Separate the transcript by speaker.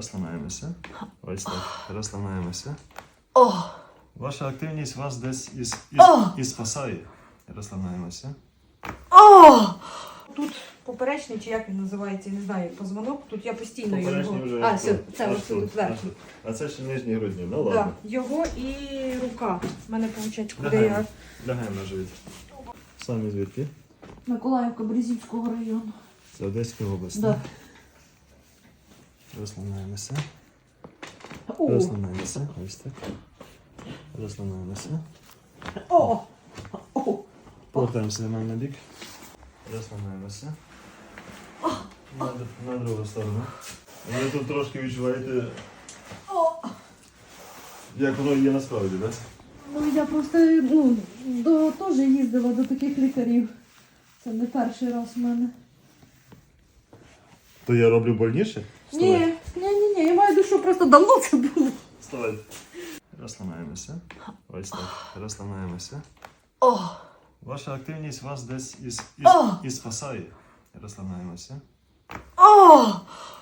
Speaker 1: Розслабляємося. Ось так. Розслабляємося.
Speaker 2: О!
Speaker 1: Ваша активність вас десь і спасає. Розслабляємося.
Speaker 2: О! Тут поперечний, чи як він називається, я не знаю, позвонок. Тут я постійно
Speaker 1: Поперечний
Speaker 2: його...
Speaker 1: вже
Speaker 2: А,
Speaker 1: ось
Speaker 2: все,
Speaker 1: тут,
Speaker 2: це
Speaker 1: аж
Speaker 2: ось тут верхній.
Speaker 1: А це ще нижні грудні. Ну
Speaker 2: Да,
Speaker 1: ладно.
Speaker 2: його і рука. У мене виходить, куди
Speaker 1: Лягаємо.
Speaker 2: я...
Speaker 1: Лягаємо на живіт. Самі звідки?
Speaker 2: Миколаївка, Березівського району.
Speaker 1: Це Одеська область.
Speaker 2: Да.
Speaker 1: Розслабляємося.
Speaker 2: О!
Speaker 1: Розслабляємося. Ось так. Розслабляємося.
Speaker 2: О! О!
Speaker 1: Повертаємося до мене на бік. Розслабляємося. На другу сторону. Ви тут трошки відчуваєте, як воно є насправді, так?
Speaker 2: Ну, я просто теж їздила до таких лікарів. Це не перший раз в мене.
Speaker 1: То я роблю больніше?
Speaker 2: Ні, я маю душу, просто давно це було.
Speaker 1: Вставай. Розслабляємося. Ось так. Розслабляємося.
Speaker 2: О!
Speaker 1: Ваша активність вас десь і спасає. Розслабляємося.
Speaker 2: О!